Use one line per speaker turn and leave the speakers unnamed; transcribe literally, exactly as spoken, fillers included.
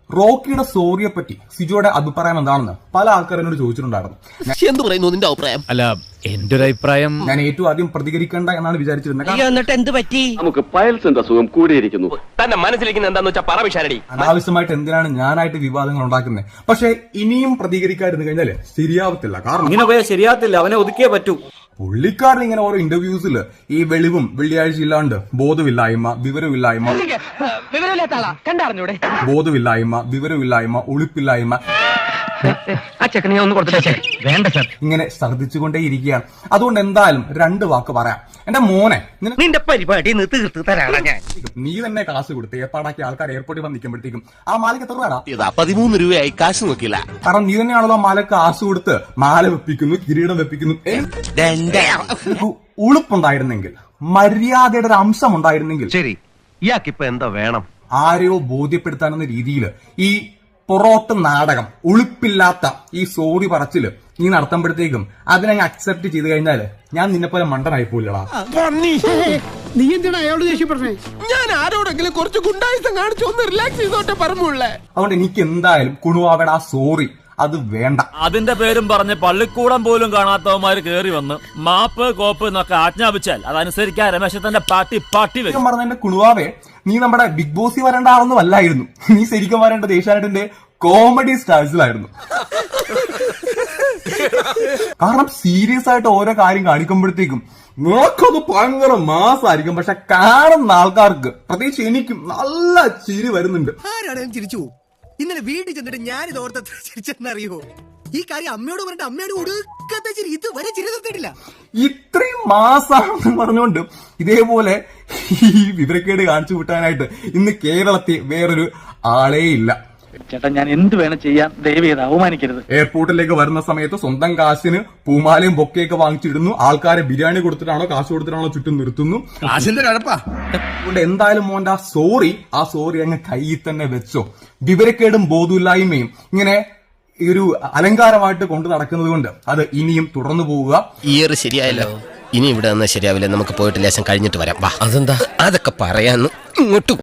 റോക്കിയുടെ സോറിയെ പറ്റി സിജോയുടെ അഭിപ്രായം എന്താണെന്ന് പല ആൾക്കാർ എന്നോട് ചോദിച്ചിട്ടുണ്ടായിരുന്നു.
എന്ത് പറയുന്നു നിന്റെ അഭിപ്രായം?
അല്ല, എന്റെ ഒരു അഭിപ്രായം,
ഞാൻ ഏറ്റവും ആദ്യം പ്രതികരിക്കേണ്ട എന്നാണ് വിചാരിച്ചിരുന്നത്.
എന്നിട്ട് എന്ത് പറ്റി?
നമുക്ക് പയൽസിന്റെ അസുഖം കൂടിയിരിക്കുന്നു.
തന്നെ മനസ്സിലിരിക്കുന്ന എന്താന്ന് വെച്ചാൽ പറ വിശാരടി.
അനാവശ്യമായിട്ട് എന്തിനാണ് ഞാനായിട്ട് വിവാദങ്ങൾ ഉണ്ടാക്കുന്നത്? പക്ഷെ ഇനിയും പ്രതികരിക്കാതിരുന്നു കഴിഞ്ഞാല് ശരിയാവത്തില്ല. കാരണം
ഇങ്ങനെ പോയാൽ ശരിയാകത്തില്ല, അവനെ ഒതുക്കിയേ പറ്റൂ.
പുള്ളിക്കാരൻ ഇങ്ങനെ ഓരോ ഇന്റർവ്യൂസിൽ ഈ വെളിവും വെള്ളിയാഴ്ച ഇല്ലാണ്ട് ബോധമില്ലായ്മ, വിവരമില്ലായ്മ,
കണ്ടറിഞ്ഞൂടെ?
ബോധമില്ലായ്മ, വിവരമില്ലായ്മ, ഒളിപ്പില്ലായ്മ,
ആ ചെക്കനെ ഒന്ന് കൊടുത്തിട്ടേ. വേണ്ട സർ,
ഇങ്ങനെ ഛർദ്ദിച്ചുകൊണ്ടേ ഇരിക്കുകയാണ്. അതുകൊണ്ട് എന്തായാലും രണ്ട് വാക്ക് പറയാം. എന്റെ മോനെ, നിനക്ക്
നിന്റെ പരിപാടി തീർത്ത് തരാടാ ഞാൻ.
നീ തന്നെ കാശ് കൊടുത്ത് ഏർപ്പാടാക്കി ആൾക്കാർ എയർപോർട്ടിൽ വന്ന് നിൽക്കുമ്പോഴത്തേക്കും ആ മാലയ്ക്ക് എത്ര രൂപ?
ഇതാ പതിമൂന്ന് രൂപയായി, കാശ് നോക്കില്ല.
കാരണം നീ തന്നെയാണല്ലോ ആ മാലക്ക് കാശ് കൊടുത്ത് മാല വെപ്പിക്കുന്നു, കിരീടം വെപ്പിക്കുന്നു. ഉളുപ്പുണ്ടായിരുന്നെങ്കിൽ, മര്യാദയുടെ ഒരു അംശം ഉണ്ടായിരുന്നെങ്കിൽ,
ശരി, ഇയാൾക്കിപ്പോ എന്താ വേണം?
ആരെയോ ബോധ്യപ്പെടുത്താനെന്ന രീതിയിൽ ഈ പൊറോട്ട് നാടകം, ഉളുപ്പില്ലാത്ത ഈ സോറി പറച്ചില് നീ നടത്തുമ്പോഴത്തേക്കും അതിനെ അക്സെപ്റ്റ് ചെയ്ത് കഴിഞ്ഞാല് ഞാൻ നിന്നെ പോലെ മണ്ടനായി പോയില്ലടാ.
നീ എന്തിനാ അയാളോട് ദേഷ്യപ്പെട്ടേ?
ഞാൻ ആരോടെങ്കിലും കുറച്ച് ഗുണ്ടായുസം കാണിച്ചു ഒന്ന് റിലാക്സ് ചെയ്തോട്ടെ പറഞ്ഞുള്ളേ.
അതുകൊണ്ട് എനിക്ക് എന്തായാലും കുണുവാവേട ആ സോറി അത് വേണ്ട.
അതിന്റെ പേരും പറഞ്ഞ് പള്ളിക്കൂടം പോലും കാണാത്തവന്മാര് കേറി വന്ന് മാപ്പ് കോപ്പ് എന്നൊക്കെ ആജ്ഞാപിച്ചാൽ അതനുസരിക്കാൻ രമേശത്തിന്റെ പാട്ടി പാട്ടി വരും.
പറഞ്ഞ എന്റെ കുണുവാവേ, നീ നമ്മുടെ ബിഗ് ബോസിൽ വരേണ്ട ആളൊന്നും അല്ലായിരുന്നു. നീ ശരിക്കും വരേണ്ടത് ഏഷ്യാനെറ്റിന്റെ കോമഡി സ്റ്റാഴ്സിലായിരുന്നു. കാരണം സീരിയസ് ആയിട്ട് ഓരോ കാര്യം കാണിക്കുമ്പോഴത്തേക്കും നോക്കത് ഭയങ്കര മാസമായിരിക്കും, പക്ഷെ കാണുന്ന ആൾക്കാർക്ക്, പ്രത്യേകിച്ച് എനിക്കും നല്ല ചിരി വരുന്നുണ്ട്.
ആരാണ് ചിരിച്ചു? ഇന്നലെ വീട്ടിൽ ചെന്നിട്ട് ഞാൻ ഇത് ഓർത്ത ചിരിച്ചെന്നറിയോ? ഈ കാര്യം അമ്മയോട് പറഞ്ഞിട്ട് അമ്മയോട് ഒടുക്കത്തെ ചിരി ഇതുവരെ ചിരി നിർത്തിയിട്ടില്ല.
ഇത്രയും മാസാണെന്ന് പറഞ്ഞുകൊണ്ട് ഇതേപോലെ ഈ വിവരക്കേട് കാണിച്ചു വിട്ടാനായിട്ട് ഇന്ന് കേരളത്തിൽ വേറൊരു ആളേ ഇല്ല.
ചേട്ടാ, ഞാൻ എന്ത് വേണം ചെയ്യാൻ, ദയവ് ചെയ്ത് അവമാനിക്കരുത്.
എയർപോർട്ടിലേക്ക് വരുന്ന സമയത്ത് സ്വന്തം കാശിന് പൂമാലയും ബൊക്കെയൊക്കെ വാങ്ങിച്ചിടുന്നു. ആൾക്കാരെ ബിരിയാണി കൊടുത്തിട്ടാണോ കാശ് കൊടുത്തിട്ടാണോ ചുറ്റും നിർത്തുന്നു.
കാശിന്റെ കഴപ്പാ.
അതുകൊണ്ട് എന്തായാലും മോന്റെ ആ സോറി ആ സോറി അങ്ങ് കയ്യിൽ തന്നെ വെച്ചോ. വിവരക്കേടും ബോധമില്ലായ്മയും ഇങ്ങനെ ഈ ഒരു അലങ്കാരമായിട്ട് കൊണ്ടു നടക്കുന്നത് കൊണ്ട് അത് ഇനിയും തുടർന്നു പോവുക.
ഇയർ ശരിയായല്ലോ, ഇനി ഇവിടെ നിന്ന് ശരിയാവില്ല. നമുക്ക് പോയിട്ട് ലേശം കഴിഞ്ഞിട്ട് വരാം. അതെന്താ? അതൊക്കെ പറയാന്ന് ഇങ്ങോട്ട്